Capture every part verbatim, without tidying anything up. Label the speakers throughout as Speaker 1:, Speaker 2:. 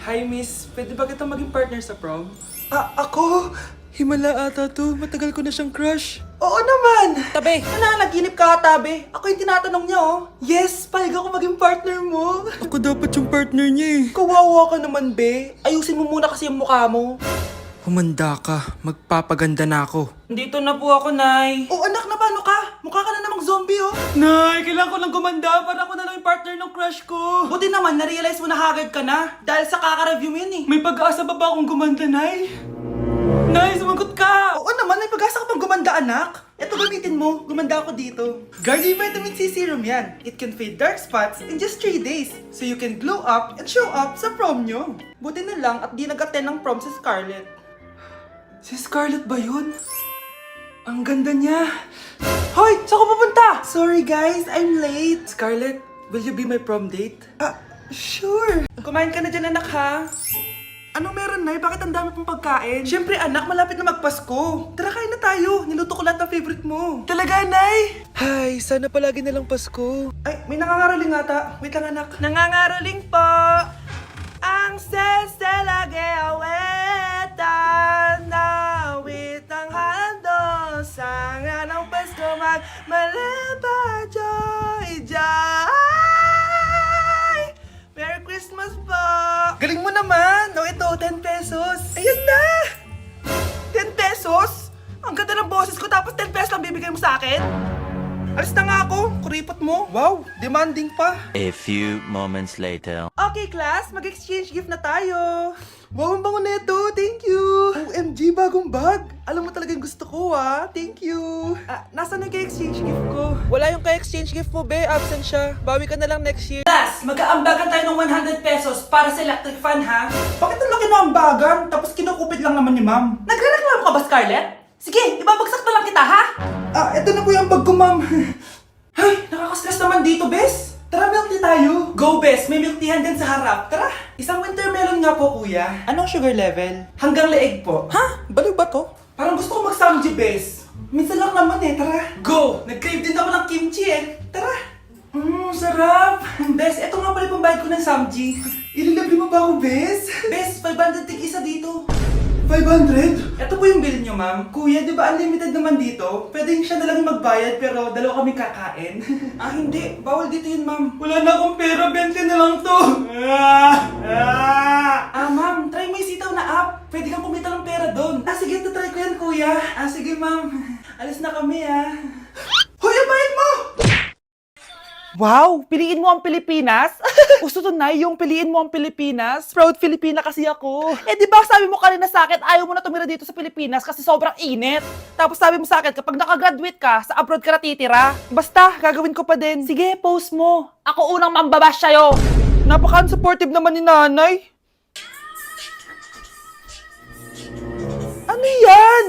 Speaker 1: Hi, miss. Pwede ba kitang maging partner sa prom?
Speaker 2: Ah, ako?
Speaker 1: Himala ata to. Matagal ko na siyang crush.
Speaker 2: Oo naman!
Speaker 1: Tabi!
Speaker 2: Nananaginip ka, tabi. Ako yung tinatanong niya, oh. Yes, palig ako maging partner mo.
Speaker 1: Ako dapat yung partner niya eh.
Speaker 2: Kawawa ka naman, be. Ayusin mo muna kasi yung mukha mo.
Speaker 1: Humanda ka. Magpapaganda na ako.
Speaker 2: Dito na po ako, Nay. Oh, anak, na paano ka? Mukha ka na namang zombie, oh.
Speaker 1: Nay, kailangan ko lang gumanda para ako na lang yung partner ng crush ko.
Speaker 2: Buti naman, na-realize mo na haggard ka na. Dahil sa kaka-review mo yun, eh.
Speaker 1: May pag-asa ba ba akong gumanda, Nay? Nay, sumagot ka!
Speaker 2: Oo naman, may pag-asa ka pang gumanda, anak. Ito gamitin mo, gumanda ako dito. Garnier Vitamin C Serum yan. It can fade dark spots in just three days. So you can glow up and show up sa prom nyo. Buti na lang at di nag-attend ng prom si Scarlett.
Speaker 1: Si Scarlett ba yun? Ang ganda niya.
Speaker 2: Hoy! Saan ko pupunta? Sorry guys, I'm late.
Speaker 1: Scarlett, will you be my prom date?
Speaker 2: Ah, sure. Kumain ka na dyan, anak, ha? Anong meron, Nay? Bakit ang dami pong pagkain? Siyempre, anak, malapit na magpasko. Tara, kain na tayo. Niluto ko lahat ng favorite mo. Talaga, Nay?
Speaker 1: Hay, sana palagi na lang Pasko.
Speaker 2: Ay, may nangangaroling ata. Wait lang, anak. Nangangaroling po. Ang seselage awetan na wit ang hando sa nga ng Pasko magmalaba joy joy. Merry Christmas po! Galing mo naman! O ito, ten pesos. Ayan na! ten pesos? Ang ganda ng boses ko tapos ten pesos lang bibigay mo sa akin? Alis na nga ako, kuripot mo. Wow, demanding pa.
Speaker 3: A few moments later.
Speaker 2: Okay, class, mag-exchange gift na tayo. Wow, ang bango neto, thank you. O M G, bagong bag. Alam mo talaga yung gusto ko, ah. Thank you. Ah, nasaan yung kay-exchange gift ko?
Speaker 1: Wala yung ka-exchange gift mo, be. Absent siya. Bawi ka na lang next year.
Speaker 2: Class, mag-aambagan tayo ng one hundred pesos para sa electric fan, ha? Bakit ang laki ng ambagan? Tapos kinukupit lang naman ni ma'am. Nagre-reklamo ka ba, Scarlett? Sige, ibabagsak na lang kita, ha? Ah, eto na po yung bag ko, ma'am. Ay, nakaka-stress naman dito, bes. Tara, milk tea tayo. Go, bes. May milk teahan din sa harap. Tara. Isang winter melon nga po, kuya. Anong sugar level? Hanggang leeg po. Ha? Baliw ba to? Parang gusto ko mag-samji, bes. Minsan lang naman eh, tara. Go! Nag-crave din ako ng kimchi eh. Tara. Mmm, sarap. Bes, eto nga pala yung pambayad ko ng samji. Ililibre mo ba ako, bes? Bes, five hundred tig isa dito. five hundred? Ito po yung bill nyo, ma'am. Kuya, di ba unlimited naman dito? Pwede siya na lang yung magbayad pero dalawa kami kakain. Ah, hindi. Bawal dito yun, ma'am. Wala na akong pera. twenty na lang to. Ah, ma'am. Try mo yung sitaw na app. Pwede kang kumita ng pera doon. Ah, sige. Try ko yan, kuya. Ah, sige, ma'am. Alis na kami, ah. Hoy, ang bayad mo! Wow! Piliin mo ang Pilipinas? Gusto to na yung piliin mo ang Pilipinas. Proud Filipina kasi ako. Eh di ba sabi mo kanina sa akin, ayaw mo na tumira dito sa Pilipinas kasi sobrang init. Tapos sabi mo sa akin, kapag nakagraduate ka, sa abroad ka natitira. Basta, gagawin ko pa din. Sige, post mo. Ako unang mambabash sa'yo. Napaka-supportive naman ni nanay. Ano yan?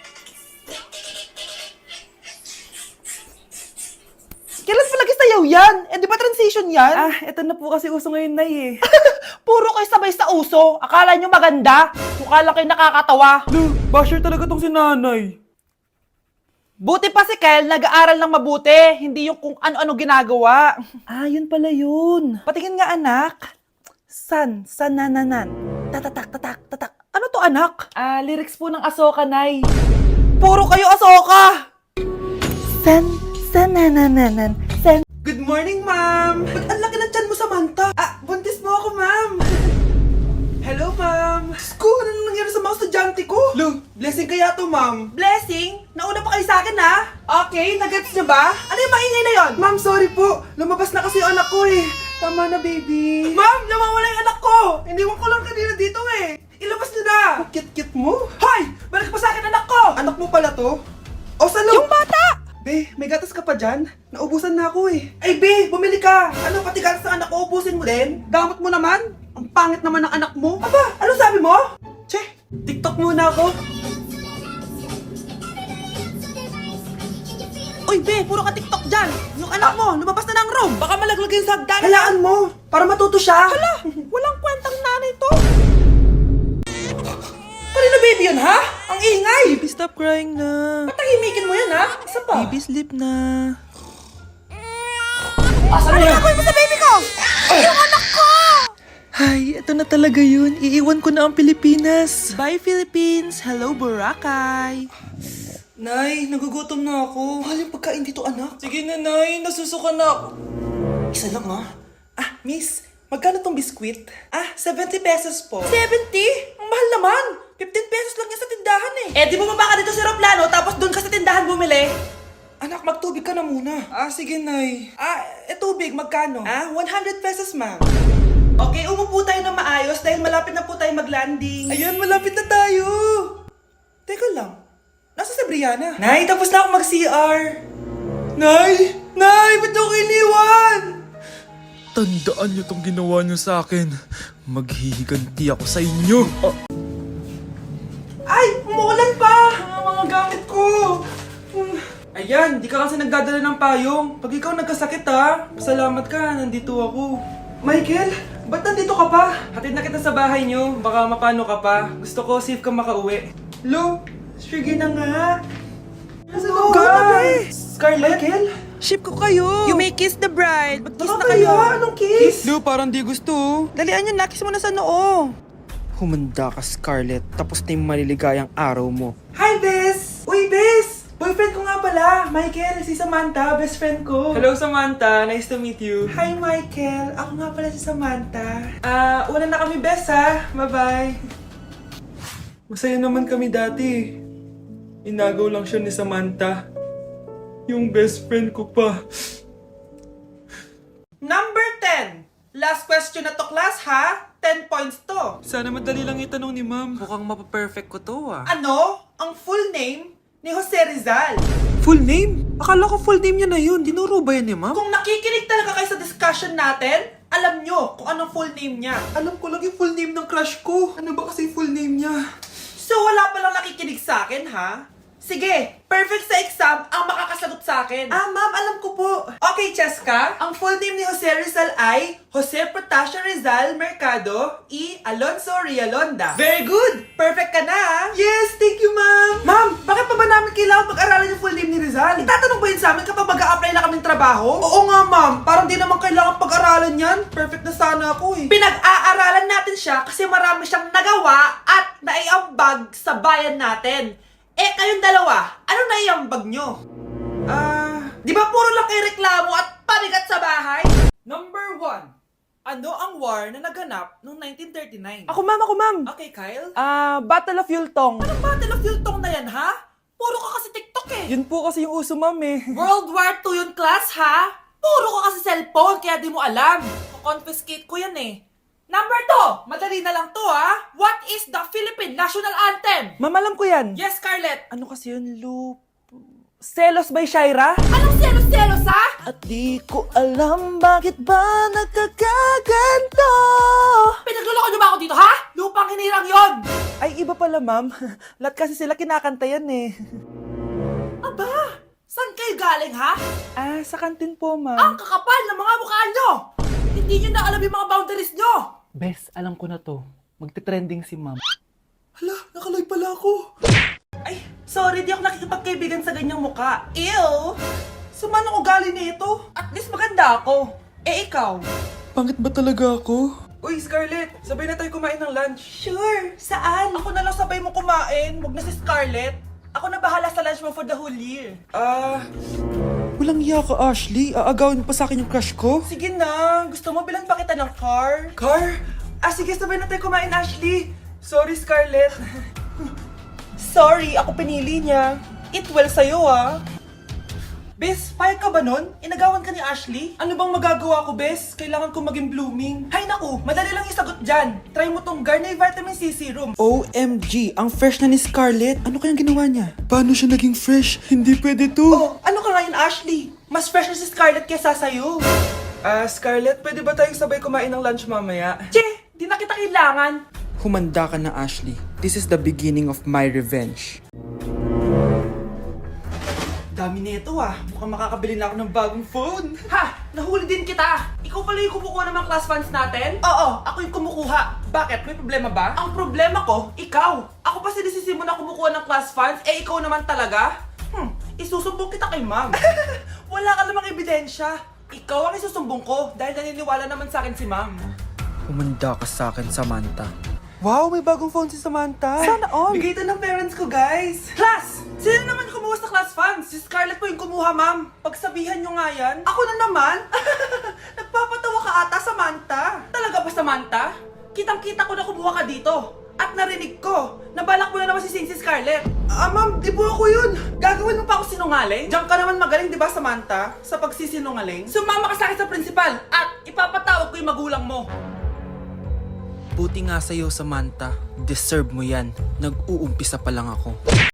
Speaker 2: Kailan palagi sayaw yan? Eh, di ba transition yan? Ah, eto na po kasi uso ngayon, Nay, eh. Puro kayo sabay sa uso. Akala nyo maganda. Mukha lang kayo nakakatawa.
Speaker 1: Lo, basher talaga tong si nanay.
Speaker 2: Buti pa si Kel, nag-aaral ng mabuti. Hindi yung kung ano-ano ginagawa. Ah, yun pala yun. Patingin nga, anak. San, sanananan. Tatatak, tatak, tatak. Ano to, anak? Ah, lyrics po ng Asoka, Nay. Puro kayo Asoka! San, sanananan. San. Good morning, ma'am. Ba't ang laki ng tiyan mo, Samantha? Ah, buntis mo ako, ma'am. Hello, ma'am. Sko, ano nang nangyari sa mga estudyante ko? Lo, blessing kaya to, ma'am. Blessing? Nauna pa kayo sa akin, ha? Okay, nagets niyo ba? Ano yung maingay na yon? Ma'am, sorry po. Lumabas na kasi yung anak ko, eh. Tama na, baby. Ma'am, nawawala yung anak ko. Iniwan ko lang kanina dito, eh. Ilabas niyo na. Kit-kit mo? Hoy! Balik pa sa akin, anak ko! Anak mo pala to? O, salo? Yung bata! Be, may gatas ka pa dyan? Naubusan na ako eh. Ay, Be, bumili ka! Ano, pati gatas ng anak ko, ubusin mo din? Damot mo naman? Ang pangit naman ng anak mo. Aba, ano sabi mo? Che, TikTok muna ako. Uy, Be, puro ka TikTok dyan. Yung anak mo, lumabas na ng room. Baka malaglag yung sa hagdan. Halaan mo, para matuto siya. Hala, walang kwentang nanay to. Kanina baby yun, ha? Ang ingay!
Speaker 1: Baby, stop crying na.
Speaker 2: Patahimikin mo yun, ha? Isa pa.
Speaker 1: Baby, sleep na.
Speaker 2: Asan mo yan? Ano gagawin mo sa baby ko? Yung anak ko!
Speaker 1: Ay, ito na talaga yun. Iiwan ko na ang Pilipinas.
Speaker 2: Bye, Philippines! Hello, Boracay!
Speaker 1: Nay, nagugutom na ako. Mahal yung pagkain dito, anak. Sige na, Nay. Nasusuka na ako. Isa lang, ha?
Speaker 2: Ah, miss, magkano tong biskwit?
Speaker 1: Ah, seventy pesos po.
Speaker 2: seventy? Ang mahal naman! fifteen pesos lang yan sa tindahan eh. Eh, di bumaba ka dito sa aeroplano tapos doon ka sa tindahan bumili?
Speaker 1: Anak, magtubig ka na muna. Ah, sige, Nay. Ah, e tubig, magkano?
Speaker 2: Ah, one hundred pesos, ma'am. Okay, umupo tayo na maayos dahil malapit na po tayo mag-landing.
Speaker 1: Ayun, malapit na tayo. Teka lang. Nasa si Brianna?
Speaker 2: Nay, tapos na ako mag-C R.
Speaker 1: Nay! Nay! Ba't ako iniwan? Tandaan niyo tong ginawa niyo sa akin. Maghihiganti ako sa inyo. Ah,
Speaker 2: Ay, umuulan pa!
Speaker 1: ang mga gamit ko. Hmm. Ayan, di ka kasi nagdadala ng payong. Pag ikaw nagkasakit ha, pasalamat ka, nandito ako. Michael, ba't nandito ka pa? Hatid na kita sa bahay niyo, baka mapano ka pa. Gusto ko safe ka makauwi. Lo, sige na nga. Ano
Speaker 2: ka?
Speaker 1: Scarlett? Michael?
Speaker 2: Ship ko kayo! You may kiss the bride! Mag-kiss
Speaker 1: Tara
Speaker 2: na kayo!
Speaker 1: kaya, anong kiss?
Speaker 2: Lo,
Speaker 1: parang di gusto.
Speaker 2: Dalian yun, nakis mo na sa noo!
Speaker 1: Humanda ka, Scarlett. Tapos na yung maliligayang araw mo.
Speaker 2: Hi, Bes! Uy, Bes! Boyfriend ko nga pala! Michael, si Samantha, best friend ko!
Speaker 1: Hello, Samantha. Nice to meet you.
Speaker 2: Hi, Michael! Ako nga pala si Samantha. Ah, una na kami, Bes, ha? Bye-bye!
Speaker 1: Masaya naman kami dati. Inagaw lang siya ni Samantha. Yung best friend ko pa.
Speaker 2: Number ten! Last question na to, class, ha? ten points to.
Speaker 1: Sana madali lang itanong ni ma'am. Mukhang mapaperfect ko to ah.
Speaker 2: Ano? Ang full name ni Jose Rizal.
Speaker 1: Full name? Akala ko full name niya na yun. Dinuro ba yan ni ma'am?
Speaker 2: Kung nakikinig talaga kayo sa discussion natin, alam nyo kung anong full name niya.
Speaker 1: Alam ko lang yung full name ng crush ko. Ano ba kasi full name niya?
Speaker 2: So wala palang nakikinig sa akin, ha? Sige, perfect sa exam ang makakasagot sa akin. Ah, ma'am, alam ko po. Okay, Cheska, ang full name ni Jose Rizal ay Jose Protasio Rizal Mercado y Alonso Rialonda. Very good! Perfect ka na, ha?
Speaker 1: Yes, thank you ma'am.
Speaker 2: Ma'am, bakit pa ba namin kailangan pag-aralan yung full name ni Rizal? Itatanong ba yun sa amin kapag mag-a-apply na kaming trabaho?
Speaker 1: Oo nga ma'am, parang di naman kailangan pag-aralan yan. Perfect na sana ako eh.
Speaker 2: Pinag-aaralan natin siya kasi marami siyang nagawa at naiambag sa bayan natin. Eh, kayong dalawa, ano naiambag nyo? Ah, di ba puro lang kayo reklamo at pabigat sa bahay? Number one, ano ang war na naganap noong nineteen thirty-nine?
Speaker 1: Ako ma'am, ako ma'am.
Speaker 2: Okay, Kyle?
Speaker 1: Ah, Battle of Yultong.
Speaker 2: Anong Battle of Yultong na yan, ha? Puro ka kasi TikTok eh.
Speaker 1: Yun po kasi yung uso ma'am eh.
Speaker 2: World War Two yun, class, ha? Puro ka kasi cellphone, kaya di mo alam. Confiscate ko yan eh. Number two, madali na lang to, ha? What is the Philippine National Anthem?
Speaker 1: Ma'am, alam ko yan.
Speaker 2: Yes, Scarlett.
Speaker 1: Ano kasi yun, Lu? Selos by Shaira?
Speaker 2: Anong selos-selos, ha?
Speaker 1: At di ko alam bakit ba nagkakaganto.
Speaker 2: Pinagluloko niyo ba ako dito, ha? Lupang hinirang yon.
Speaker 1: Ay, iba pala ma'am. Lahat kasi sila kinakanta yan eh.
Speaker 2: Aba, saan kayo galing, ha?
Speaker 1: Ah, sa kantin po
Speaker 2: Ang
Speaker 1: ma'am.
Speaker 2: kakapal ng mga mukha nyo. Hindi nyo na alam yung mga boundaries nyo.
Speaker 1: Bes, alam ko na to. Magte-trending si ma'am.
Speaker 2: Hala, nakalive pala ako. Ay, sorry, di ako nakikipagkaibigan sa ganyang muka. Ew! Suman ako galing nito. At least maganda ako. Eh, ikaw?
Speaker 1: Pangit ba talaga ako? Uy, Scarlett, sabay na tayo kumain ng lunch.
Speaker 2: Sure, saan? Ako na lang sabay mo kumain. Huwag na si Scarlett. Ako na bahala sa lunch mo for the whole year.
Speaker 1: Ah, walang iya ka, Ashley. Aagawin pa sa akin yung crush ko.
Speaker 2: Sige na, gusto mo bilan pa kita ng car?
Speaker 1: Car?
Speaker 2: Ah, sige, sabay na tayo kumain, Ashley. Sorry, Scarlett. Sorry, ako pinili niya. Eat well sa'yo, ah. Bes, payag ka ba nun? Inagawan ka ni Ashley? Ano bang magagawa ko, Bes? Kailangan ko maging blooming. Hay naku, madali lang yung sagot dyan. Try mo tong Garnier Vitamin C Serum.
Speaker 1: O M G, ang fresh na ni Scarlett. Ano kayang ginawa niya? Paano siya naging fresh? Hindi pwede to.
Speaker 2: Oh, ano ka ngayon, Ashley? Mas fresh na si Scarlett kesa sa'yo.
Speaker 1: Ah, Scarlett, pwede ba tayong sabay kumain ng lunch mamaya?
Speaker 2: Che, di na kita kailangan.
Speaker 1: Humanda ka na, Ashley. This is the beginning of my revenge.
Speaker 2: Dami nito ah. Mukhang makakabili na ako ng bagong phone. Ha! Nahuli din kita! Ikaw pala yung kumukuha ng mga class funds natin? Oo, ako yung kumukuha. Bakit? May problema ba? Ang problema ko, ikaw. Ako pa sinisisi mo na kumukuha ng class funds, eh ikaw naman talaga? Hmm, isusumbong kita kay ma'am. Wala ka namang ebidensya. Ikaw ang isusumbong ko dahil naniniwala naman sa akin si ma'am.
Speaker 1: Humanda ka sa akin, Samantha. Wow, may bagong phone si Samantha.
Speaker 2: Sana all.
Speaker 1: Bigay ito ng parents ko, guys.
Speaker 2: Class! Sino naman kumuha sa class funds? Si Scarlett po yung kumuha, ma'am. Pagsabihan nyo nga yan. Ako na naman? Nagpapatawa ka ata, Samantha. Talaga ba, Samantha? Kitang-kita ko na kumuha ka dito. At narinig ko, nabalak mo na naman si Sin si Scarlett. Ah, ma'am, di po ako yun. Gagawin mo pa ako sinungaling? Diyan ka naman magaling, di ba, Samantha? Sa pagsisinungaling? Sumama ka sa akin sa principal at ipapatawag ko yung magulang mo.
Speaker 1: Buti nga sa'yo, Samantha. Deserve mo yan. Nag-uumpisa pa lang ako.